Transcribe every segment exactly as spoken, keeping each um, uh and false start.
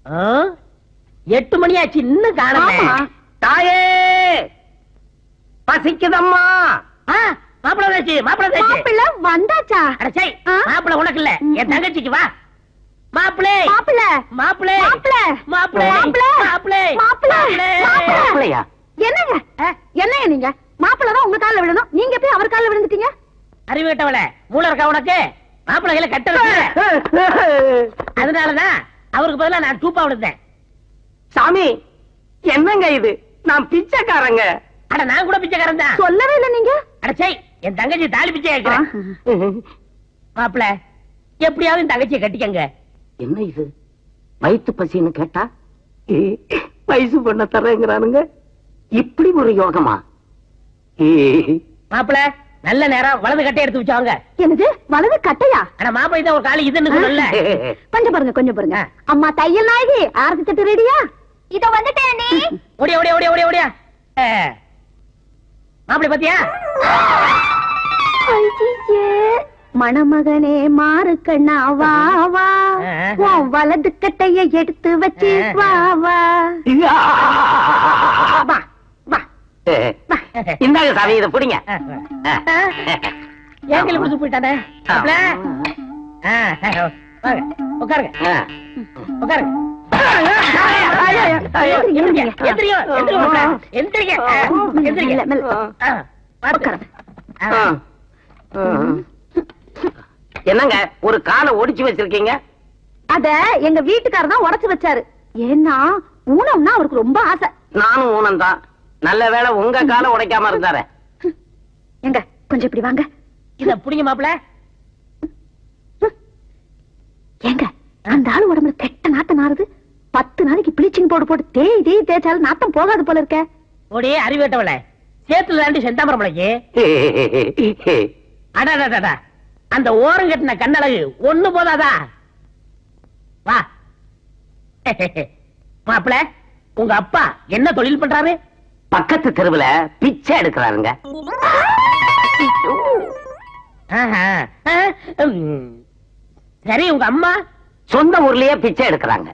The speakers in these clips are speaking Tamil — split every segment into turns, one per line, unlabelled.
எட்டு மணி ஆச்சு இன்னும் காணோமே.
தாயே பசிக்குதம்மா.
மாப்பிள வந்தாச்சு, மாப்பிள வந்தாச்சு.
மாப்பிள வந்தாச்சா?
அட சை, மாப்பிள உனக்கு இல்ல, என் தங்கச்சிக்கு. வா மாப்பிளே,
மாப்பிள
மாப்பிளே,
மாப்பிள
மாப்பிளே,
மாப்பிள
மாப்பிளே,
மாப்பிளையா? என்னங்க என்னங்க நீங்க? மாப்பிள தான் உங்க கால்ல விழணும், நீங்க போய் அவர் கால்ல விழுந்துட்டீங்க.
அறிவு கட்டவள, மூளை இருக்கா உனக்கு? மாப்பிள கையில கட்ட வச்சு, அதனாலதான் அவருக்கு பதிலா நான் டூப்பா விழுந்தேன்.
சாமி என்னங்க இது? நான் பிச்சைக்காரங்க.
அட நான் கூட பிச்சைக்காரன் தான்.
சொல்லவே இல்ல நீங்க.
அட சை, என் தங்கச்சி தாலி பிச்சை கேட்கிறேன். மாப்பிள எப்படியாவது என் தங்கச்சியை கட்டிக்கங்க.
என்ன இது வயிற்று பசின்னு கேட்டா வயசு பண்ண தரேங்கிறானுங்க. இப்படி ஒரு யோகமா?
மாப்பிள நல்ல நேரம், வலது கட்டை எடுத்து வச்சாங்க.
என்னது வலது கட்டையா?
ஆனா மாப்பிள இதான் ஒரு காலி இதுன்னு சொல்லல.
கொஞ்சம் பாருங்க, கொஞ்சம் பாருங்க. அம்மா தையல் நாயகி, ஆரத்தி தட்டு ரெடியா? இதோ வந்துட்டேன். நீ
ஓடியா ஓடியா ஓடியா ஓடியா ஓடியா. மாப்பிள பாத்தியா?
மணமகனே மாறு கண்ணா வா வா, உன் வலது கட்டைய எடுத்து வச்சு வா வா.
இந்தாங்க சாமி, இதை பிடிங்க.
ஏங்கல குடிச்சு போயிட்டானே. உட்காருங்க உட்காருங்க.
என்னங்க ஒரு காலை ஒடிச்சு வச்சிருக்கீங்க?
அத எங்க வீட்டுக்காரர் தான் உடைச்சு வச்சாரு. ஏன்னா ஊனம்னா அவருக்கு ரொம்ப ஆசை.
நானும் ஊனம் தான். நல்ல வேளை உங்க காலை உடைக்காம இருந்தாரு.
எங்க கொஞ்சம் இப்படி வாங்க.
இத புடிங்க மாப்பிள.
ஏங்க அந்த ஆளு உடம்புல கெட்ட நாட்டம் நாறுது. பத்து நாளைக்கு பிளீச்சிங் போட்டு போட்டு தேய் தேய் தேய்ச்சாலும் நாட்டம் போகாது போல இருக்க.
ஓடி அறிவேட்டவள, சேத்துல தாண்டி செந்தாமரம் பிள்ளைக்கு. அடாடாடா, அந்த ஓரம் கட்டின கண்ணழகு ஒண்ணு போதாதா? வா மாப்பிள, உங்க அப்பா என்ன தொழில் பண்றாரு?
பக்கத்து தெருவுல பிச்சை எடுக்கிறாருங்க.
சரி, உங்க அம்மா?
சொந்த ஊர்லயே பிச்சை எடுக்கிறாங்க.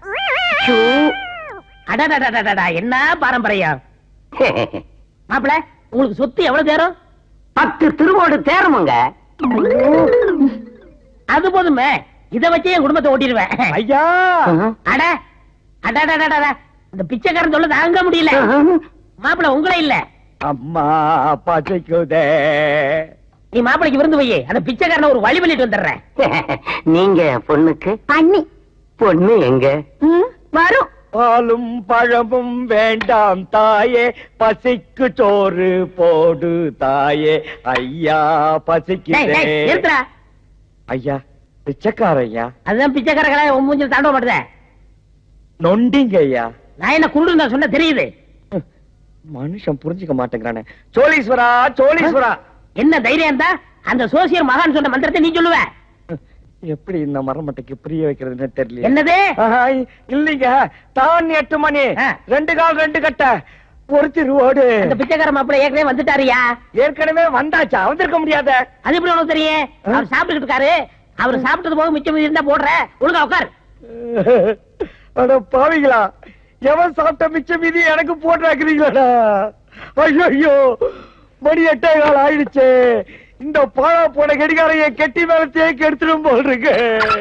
அடடடடடா, என்ன பாரம்பரியம். மாப்பிள, உங்களுக்கு சொத்து எவ்வளவு தேரும்?
பத்து திருவோடு தேருமுங்க.
அது போதுமே, இத வச்சே என் குடும்பத்தை ஓட்டிடுவேன்.
ஐயா,
அட அடடடடா, இந்த பிச்சைக்காரன் சொல்ல தாங்க முடியல. மாப்பிள உங்களே இல்ல,
அம்மா பசிக்குதே.
நீ மாப்பிளைக்கு விருந்து போய் அந்த பிச்சைக்காரனை ஒரு வழி பண்ணிட்டு வந்துடுறேன்.
நீங்க பொண்ணுக்கு
அண்ணி.
பொண்ணு எங்க
வரும்?
பாலும் பழமும் வேண்டாம் தாயே, பசிக்கு சோறு போடு தாயே. ஐயா பசிக்குதே.
நிறுத்துறா.
ஐயா பிச்சைக்காரையா?
அதுதான் பிச்சைக்காரங்களா உன் மூஞ்சில் தாண்ட மாட்டேத.
நொண்டிங்க ஐயா.
நான் என்ன குருடு நான் சொன்ன தெரியுது.
மனுஷன் புரிஞ்சுக்க மாட்டேங்கிறானே. சோழீஸ்வரா சோழீஸ்வரா.
என்ன தைரியம் தான் அந்த சோசியர் மகான் சொன்ன மந்திரத்தை நீ சொல்லுவ?
எப்படி இந்த மரமட்டைக்கு புரிய வைக்கிறதுன்னு தெரியல.
என்னது?
இல்லீங்க, தான் எட்டு மணி, ரெண்டு கால் ரெண்டு கட்ட, ஒரு திருவோடு.
அந்த பிச்சைக்கார மாப்பிள்ளை ஏற்கனவே வந்துட்டாரியா?
ஏற்கனவே வந்தாச்சா? வந்திருக்க முடியாத.
அது எப்படி உனக்கு தெரியும்? அவர் சாப்பிட்டுக்கிட்டு இருக்காரு. அவர் சாப்பிட்டது போக மிச்சம் இருந்தா போடுற. ஒழுங்கா உட்கார்.
அட பாவிங்களா, எவன் சாப்பிட்ட மிச்ச மீதி எனக்கு போட்டுறாக்குறீங்களா? ஐயோ, மணி எட்டே கால் ஆயிடுச்சு. இந்த பாழா போன கடிகாரைய கெட்டி மேல தேக்கி எடுத்துடும் போல் இருக்கு.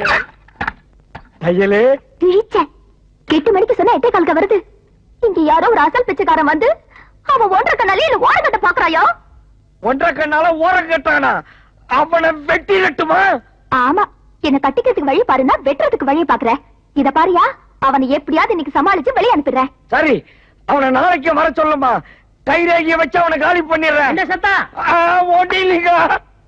தையலே
எட்டு மணிக்கு சொன்னா எட்டே காலுக்கு வருது. இங்க யாரோ ஒரு அசல் பிச்சைக்காரன் வந்து அவன் ஒன்றரை கண்ணாலே இல்ல ஓர கட்ட பாக்குறாயோ?
ஒன்றரை கண்ணால ஓர கட்டானா? அவனை வெட்டி கட்டுமா?
ஆமா, என்ன கட்டிக்கிறதுக்கு வழி பாருன்னா வெட்டுறதுக்கு வழியை பாக்குற. இத பாரியா, அவனை எப்படியாவது இன்னைக்கு சமாளிச்சு வெளியே அனுப்பிடுறேன்.
சரி, அவனை நாளைக்கு வர சொல்லுமா. கைரேகிய வச்சு அவனை காலி பண்ணிடுறேன்.
என்ன சத்தா?
ஓட்டி இல்லைங்க.